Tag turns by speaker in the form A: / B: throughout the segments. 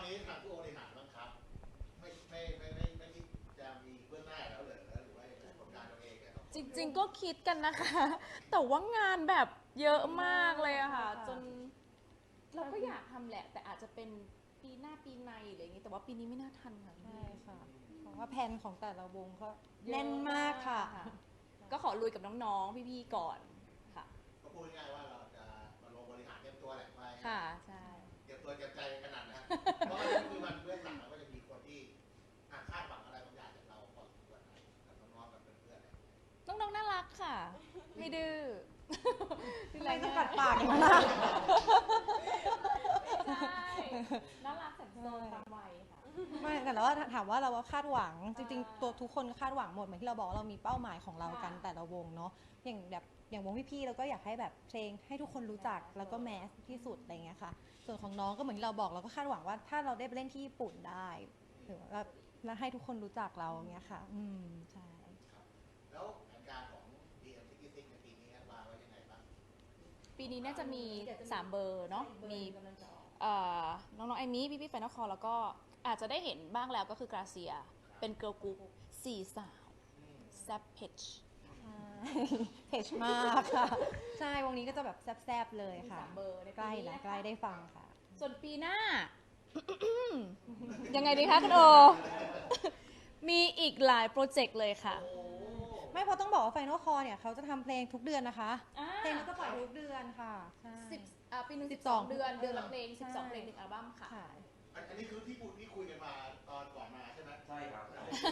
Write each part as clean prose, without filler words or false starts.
A: นี้ทางผู้บริหารบ้างครับไม่คิดจะมีเบื้องหน้าแล้วหรือว่าผลงานตัวเอง
B: จริงๆก็คิดกันนะคะ แต่ว่างานแบบเยอะมากเลยอะค่ะจนเราก็อยากทำแหละ แต่อาจจะเป็นปีหน้าปีในอะไรอย่างงี้แต่ว่าปีนี้ไม่น่าทันค่ะ
C: ใช่ค่ะเพราะว่าแผนของแต่ละวงก็แน่นมากค่ะ
B: ก็ขอลุยกับน้องๆพี่ๆก่อนค่ะ
A: ก็พูดง่ายว่าเราจะมาลงบริหารเตรียมตัวแหละไป
B: ค่ะใช่
A: เตรียมตัวเตรียมใจขนาดนะเพราะว่าคือมันเบื้องหลังมันก็จะมีคนที่คาดหวังอะไรบางอย่างจากเราพอสมควรกับน้องๆกับเพื่อนๆ
B: น้องๆน่ารักค่ะไม่ดื้อ
C: ไม่ต้องกัดปากกันนะ
B: ใช่น่ารักแสนโซนตามวัยค่ะ
C: ไม่แต่แล้วถามว่าเราคาดหวังจริงๆตัวทุกคนคาดหวังหมดเหมือนที่เราบอกเรามีเป้าหมายของเรากันแต่ละวงเนาะอย่างวงพี่ๆเราก็อยากให้แบบเพลงให้ทุกคนรู้จักแล้วก็แมสที่สุดอะไรเงี้ยค่ะส่วนของน้องก็เหมือนที่เราบอกเราก็คาดหวังว่าถ้าเราได้ไปเล่นที่ญี่ปุ่นได้หรือว่าแล้วให้ทุกคนรู้จักเราเงี้ยค่ะใช่
A: แล้วแผนการของ DM66 ในปีนี้วางไว้ยังไงบ้าง
B: ปีนี้น่าจะมี3เบอร์เนาะมีน้องๆไอมี่พี่ๆแฟนคอแล้วก็อาจจะได้เห็นบ้างแล้วก็คือกราเซียเป็นเกิร์ลกรุ๊ป4 สาวแซบเพจ
C: เพจมากค่ะใช่วงนี้ก็จะแบบแซบๆเลยค่ะ
B: เบอร์
C: ใกล้แล้วใกล้ได้ฟังค่ะ
B: ส่วนปีหน้า ยังไงดีคะคุณโอ มีอีกหลายโปรเจกต์เลยค่ะ
C: ไม่เพราะต้องบอกว่า Final Call เนี่ยเขาจะทำเพลงทุกเดือนนะคะเพลงก็จะปล่อยทุกเดือนค่ะ
B: ปีนึง12 เดือนละเพลง12 เพลง1 อัลบั้มค่ะ
A: อันนี้คือที่คุยกันมาตอนก่อนมาใช่ไหม
D: ใช่ครับ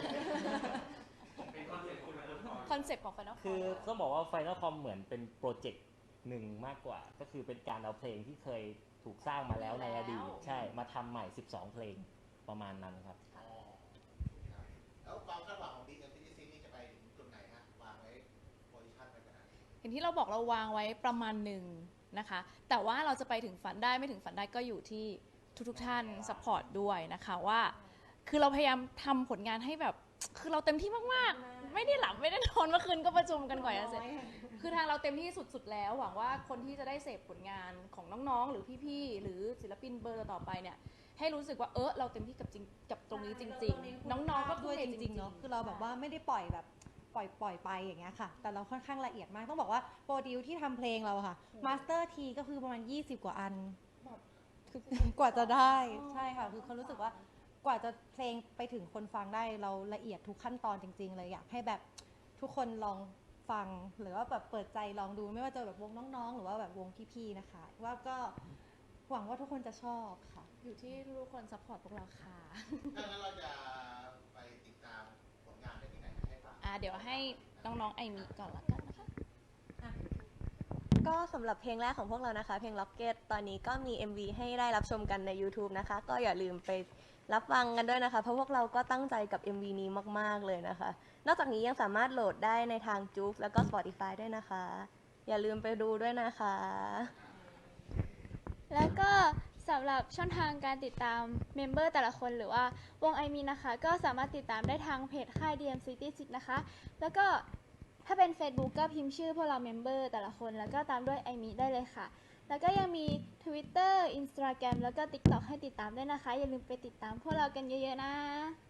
D: เป็น
B: คอนเซ็ปต์ของ Final Call
E: คือต้องบอกว่า Final Call เหมือนเป็นโปรเจกต์หนึ่งมากกว่าก็คือเป็นการเอาเพลงที่เคยถูกสร้างมาแล้วในอดีตใช่มาทำใหม่12 เพลงประมาณนั้นครับ
A: แล้วความคาดหวังของ DM66 นี่จะไปถึงจุดไหนฮะวางไว้โพซิชั่นไว้ขนาดนี้
B: อย่างที่เราบอกเราวางไว้ประมาณหนึ่งนะคะแต่ว่าเราจะไปถึงฝันได้ไม่ถึงฝันได้ก็อยู่ที่ทุกท่านซัพพอร์ตด้วยนะคะว่าคือเราพยายามทำผลงานให้แบบคือเราเต็มที่มากๆไม่ได้หลับไม่ได้นอนเมื่อคืนก็ประชุมกันกว่าจะเสร็จคือทางเราเต็มที่สุดๆแล้วหวังว่าคนที่จะได้เสพผลงานของน้องๆหรือพี่ๆหรือศิลปินเบอร์ต่อไปเนี่ยให้รู้สึกว่าเราเต็มที่กับตรงนี้จริงๆน้องๆก็
C: ด้วยจริงๆเนาะคือเราแบบว่าไม่ได้ปล่อยแบบปล่อยไปอย่างเงี้ยค่ะแต่เราค่อนข้างละเอียดมากต้องบอกว่าโปรดิวที่ทำเพลงเราค่ะมาสเตอร์ทีก็คือประมาณ20 กว่าอันคือกว่าจะได้ใช่ค่ะคือเขารู้สึกว่ากว่าจะเพลงไปถึงคนฟังได้เราละเอียดทุกขั้นตอนจริงๆเลยอยากให้แบบทุกคนลองฟังหรือว่าแบบเปิดใจลองดูไม่ว่าจะแบบวงน้องๆหรือว่าแบบวงพี่ๆนะคะว่าก็หวังว่าทุกคนจะชอบค่ะ
B: อยู่ที่ทุกคนซัพพอร์ตพวกเราค่ะ
A: ถ้างั้นเราจะไปติดตามผลงานได้ที่ไหนให้ฟัง
B: เดี๋ยวให้น้องๆไอมีก่อนละกันนะคะ
F: ก็สำหรับเพลงแรกของพวกเรานะคะเพลง Rocket ตอนนี้ก็มี MV ให้ได้รับชมกันใน YouTube นะคะก็อย่าลืมไปรับฟังกันด้วยนะคะเพราะพวกเราก็ตั้งใจกับ MV นี้มากๆเลยนะคะนอกจากนี้ยังสามารถโหลดได้ในทาง JOOX แล้วก็ Spotify ด้วยนะคะอย่าลืมไปดูด้วยนะคะ
G: แล้วก็สำหรับช่องทางการติดตามเมมเบอร์แต่ละคนหรือว่าวงไอมีนะคะก็สามารถติดตามได้ทางเพจค่าย DM66 นะคะแล้วก็ถ้าเป็น Facebook ก็พิมพ์ชื่อพวกเราเมมเบอร์แต่ละคนแล้วก็ตามด้วยไอมีได้เลยค่ะแล้วก็ยังมี Twitter Instagram แล้วก็ TikTok ให้ติดตามด้วยนะคะอย่าลืมไปติดตามพวกเรากันเยอะๆนะ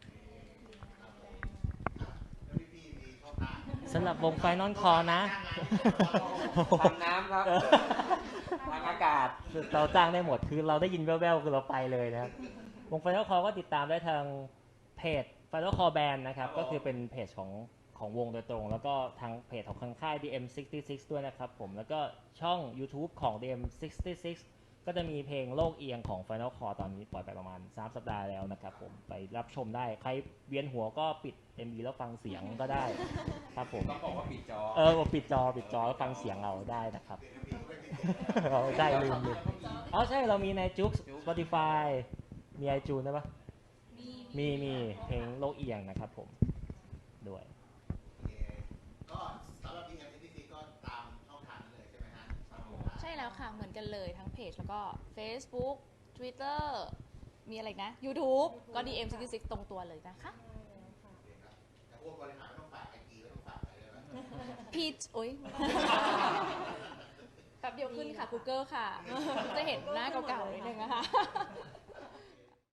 E: สำหรับวง Final Call นะ
D: ทางน้ำครับทางอากาศ
E: เราจ้างได้หมดคือเราได้ยินแว่วๆคือเราไปเลยนะครับวง Final Call ก็ติดตามได้ทางเพจ Final Call Band นะครับก็คือเป็นเพจของวงโดยตรงแล้วก็ทางเพจของค่าย DM66 ด้วยนะครับผมแล้วก็ช่อง YouTube ของ DM66 ก็จะมีเพลงโลกเอียงของ Final Call ตอนนี้ปล่อยไปประมาณ3 สัปดาห์แล้วนะครับผมไปรับชมได้ใครเวียนหัวก็ปิด MV แล้วฟังเสียงก็ได้ครับผม
D: ต้องบอกว่าปิดจอ
E: ปิดจอแล้วฟังเสียงเราได้นะครับใช่ลืมใช่เรามีในJOOX Spotify มี iTunes ได้ปะมีเพลงโลกเอียงนะครับผมด้วย
A: ก็สำหรับ DM66 ก็ตามช่องทางนั้นเลยใช่ไหมฮะ
B: ใช่แล้วค่ะเหมือนกันเลยทั้งเพจแล้วก็ Facebook Twitter มีอะไรนะ YouTube ก็ DM66 ตรงตัวเลยนะคะ
A: แต่พวกบริหารต้องฝากIGแล้วต้องฝากอะไรด้วยไหม
B: พีชโอ๊ยแป๊บเดียวขึ้นค่ะ Google ค่ะจะเห็นหน้าเก่าๆนิดนึงนะคะ